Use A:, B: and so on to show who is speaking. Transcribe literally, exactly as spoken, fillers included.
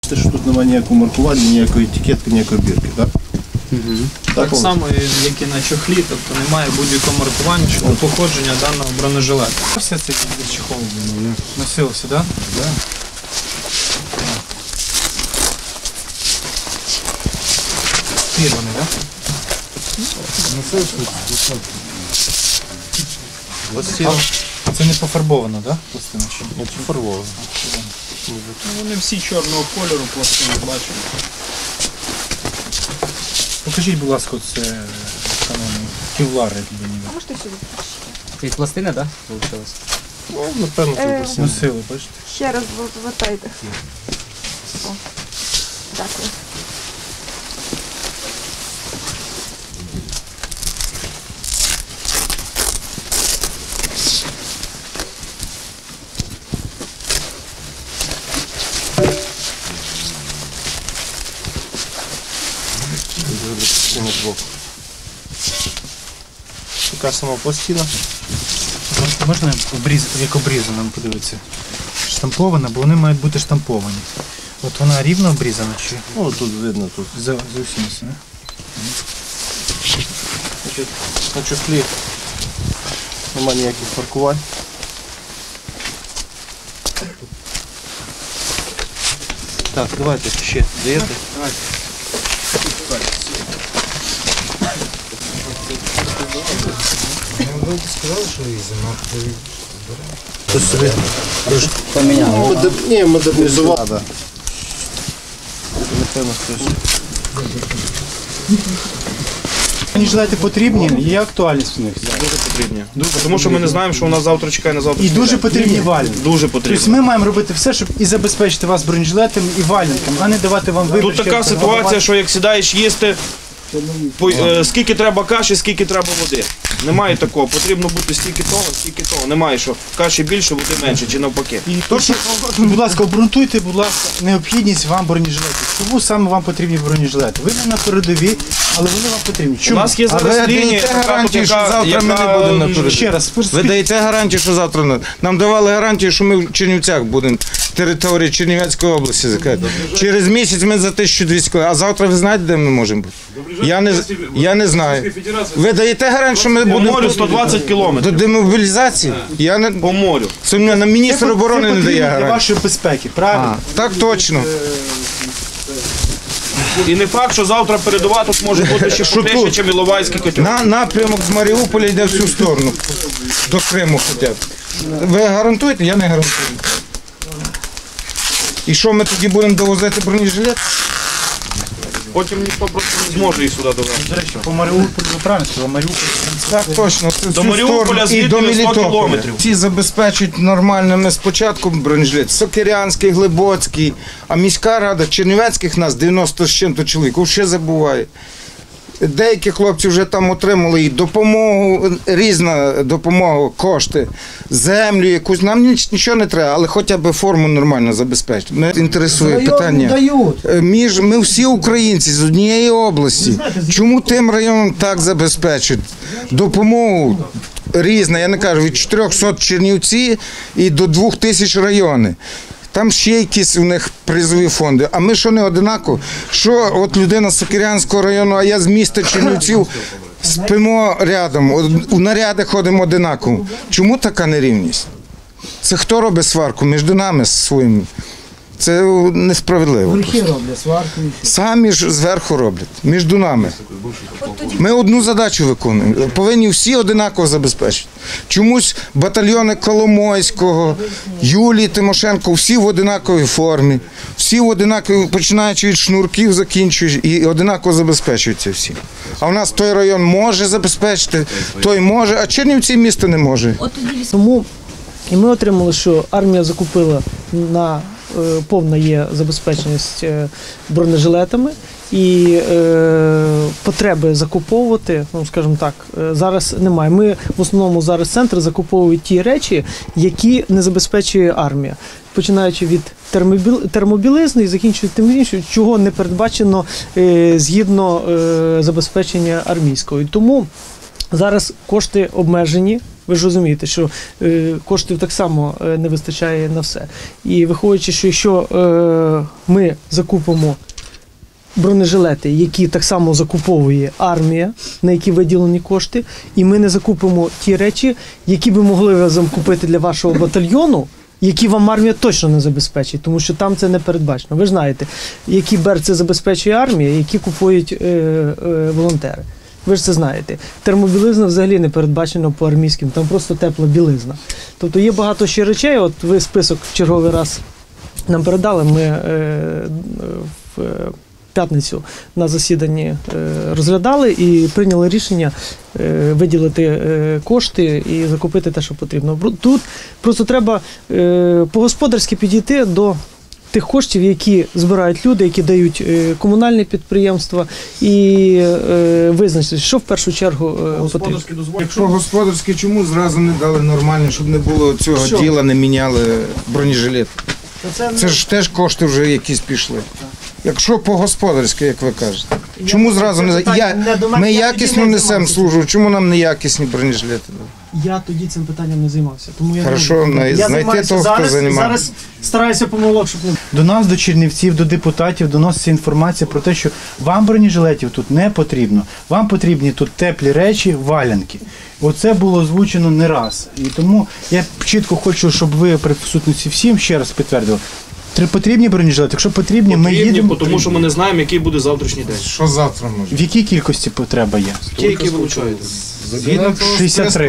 A: Те, що тут немає ніякого маркування, ніякої етикетки, ніякої бірки, так?
B: Угу.
A: Так,
B: так само, як і на чохлі, тобто немає будь-якого маркування щодо походження даного бронежилета. Все це від чехолу носилося, так?
A: Да? Так.
B: Фірманий, так?
A: Носилося.
B: Це не пофарбовано, так? Пластина чи?
A: Не пофарбовано.
B: Ну, вони всі чорного кольору, пластини, бачимо. Покажіть, будь ласка, це кевлари.
C: Можете сюди?
D: Це пластина, так? Вийшлося?
A: Ну, напевно, це
C: Е,
A: пластина.
B: Носили, бачите?
C: Ще раз вертайте. О, дякую.
A: Така сама пластина.
B: Можна обрізати, як обрізано, подивитися? Штампована, бо вони мають бути штамповані. От вона рівно обрізана чи
A: Ну, тут видно, тут.
B: за, за усім все, не?
A: Значить, на чохлі немає ніяких маркувань. Так, давайте ще даєте.
B: Давайте.
D: Ви сказали, що різано.
A: Хтось собі
D: Поміняли.
A: Модер... Ні, модернізували. Да. Напевно, хтось.
B: Бронежилети потрібні, є актуальність в них.
E: Дуже потрібні. Тому що ми не знаємо, що у нас завтра чекає на завтра.
B: І дуже потрібні вальники.
E: Дуже потрібні.
B: Тобто ми маємо робити все, щоб і забезпечити вас бронежилетами і вальниками, а не давати вам вибір.
E: Тут така ситуація, що як сідаєш їсти, по- е, скільки треба каші, скільки треба води. Немає такого. Потрібно бути стільки того, стільки того. Немає, що каші більше, води менше, чи навпаки.
B: І то, що, будь ласка, обґрунтуйте, будь ласка, необхідність вам бронежилетів. Чому саме вам потрібні бронежилети? Ви не на передовій, але вони вам потрібні.
E: У
B: Чому?
E: нас є
F: А ви
E: зараз лінія,
F: даєте
E: така,
F: гарантію,
E: яка-
F: що завтра ми не
E: яка,
F: будемо на
E: м,
F: передовій?
B: Ще раз,
F: Ви даєте гарантію, що завтра не- нам давали гарантію, що ми в Чернівцях будемо території Чернівецької області закрити. Через місяць ми за тисячу двісті кілометрів. А завтра ви знаєте, де ми можемо бути? Я не, я не знаю. Ви даєте гарантію, що ми
E: По
F: будемо
E: морю сто двадцять
F: до
E: кілометрів.
F: демобілізації? Я не
E: По морю.
F: це мені на міністр
B: Це
F: оборони не
B: потрібно
F: дає
B: для
F: гарантію.
B: вашої безпеки, правильно?
F: А, так точно.
E: І не факт, що завтра передова тут може бути ще
F: Що
E: крутіше,
F: тут?
E: ніж Іловайський котел.
F: На напрямок з Маріуполя йде всю сторону. До Криму хоча б. Ви гарантуєте? Я не гарантую. І що ми тоді будемо довозити бронежилет?
E: Потім ніхто просто не зможе їх сюди довести.
B: До речі, по Маріуполю, ви правильно сказали, Маріуполь.
F: Так, точно. Це
E: До
F: всю
E: Маріуполя
F: сторону і
E: звідти
F: до
E: на сто
F: Мелітополя.
E: кілометрів.
F: Всі забезпечують нормальними спочатку бронежилет. Сокирянський, Глибоцький, а міська рада Чернівецьких нас дев'яносто з чим-то чоловік, ще забуває. Деякі хлопці вже там отримали і допомогу, різна допомога, кошти, землю якусь. Нам ніч- нічого не треба, але хоча б форму нормально забезпечити. Мене інтересує питання. Е, Між, ми всі українці з однієї області. Чому тим районам так забезпечують? Допомогу різна, я не кажу, від чотирьохсот Чернівці і до двох тисяч райони. Там ще якісь у них призові фонди. А ми що не одинаково? Що от людина з Сокирянського району, а я з міста Чернівців, спимо рядом, у наряди ходимо одинаково. Чому така нерівність? Це хто робить сварку між нами з своїм? Це несправедливо.
D: Верхи роблять сварку.
F: Самі ж зверху роблять, між нами. Ми одну задачу виконуємо. Повинні всі одинаково забезпечити. Чомусь батальйони Коломойського, Юлії Тимошенко, всі в одинаковій формі, всі в одинаковій, починаючи від шнурків, закінчуючи, і одинаково забезпечуються всі. А в нас той район може забезпечити, той може, а Чернівці місто не може.
G: Тому і ми отримали, що армія закупила на е, повна є забезпеченість е, бронежилетами і е, потреби закуповувати, ну скажімо так, е, зараз немає. Ми в основному зараз центр закуповують ті речі, які не забезпечує армія. Починаючи від термобіл- термобілизни і закінчуючи тим іншим, чого не передбачено е, згідно е, забезпечення армійського. І тому зараз кошти обмежені Ви ж розумієте, що е, коштів так само е, не вистачає на все. І виходячи, що якщо е, ми закупимо бронежилети, які так само закуповує армія, на які виділені кошти, і ми не закупимо ті речі, які би могли разом купити для вашого батальйону, які вам армія точно не забезпечить, тому що там це не передбачено. Ви ж знаєте, які берці забезпечує армія, які купують е, е, волонтери. Ви ж це знаєте. Термобілизна взагалі не передбачена по армійським, там просто тепла білизна. Тобто є багато ще речей, от ви список в черговий раз нам передали, ми е, в п'ятницю на засіданні е, розглядали і прийняли рішення е, виділити е, кошти і закупити те, що потрібно. Тут просто треба е, по-господарськи підійти до тих коштів, які збирають люди, які дають е, комунальні підприємства, і е, визначити, що в першу чергу е, потрібно.
E: Господарські дозволи.
F: Якщо господарське, чому зразу не дали нормально, щоб не було цього
G: Що?
F: діла, не міняли бронежилет?
G: Це,
F: Це ж теж кошти вже якісь пішли. Якщо по-господарськи, як ви кажете. Чому зразу не... Я... Ми якісно несемо службу, чому нам неякісні бронежилети дали?
G: Я тоді цим питанням не займався. Тому я
F: Хорошо,
G: не
F: на-
G: я
F: знайти
G: займаюся
F: того, хто
G: зараз,
F: займається.
G: зараз стараюся помилок, щоб не
B: До нас, до чернівців, до депутатів доноситься інформація про те, що вам бронежилетів тут не потрібно. Вам потрібні тут теплі речі, валянки. Оце було озвучено не раз. І тому я чітко хочу, щоб ви при присутності всім ще раз підтвердили. Три потрібні бронежилети? Якщо потрібні, ми
E: Потрібні,
B: їдемо.
E: тому що ми не знаємо, який буде завтрашній день.
F: Що завтра може?
B: В якій кількості потреба є?
E: Ті, які вилучаються.
F: Згідно того
B: шістдесят три.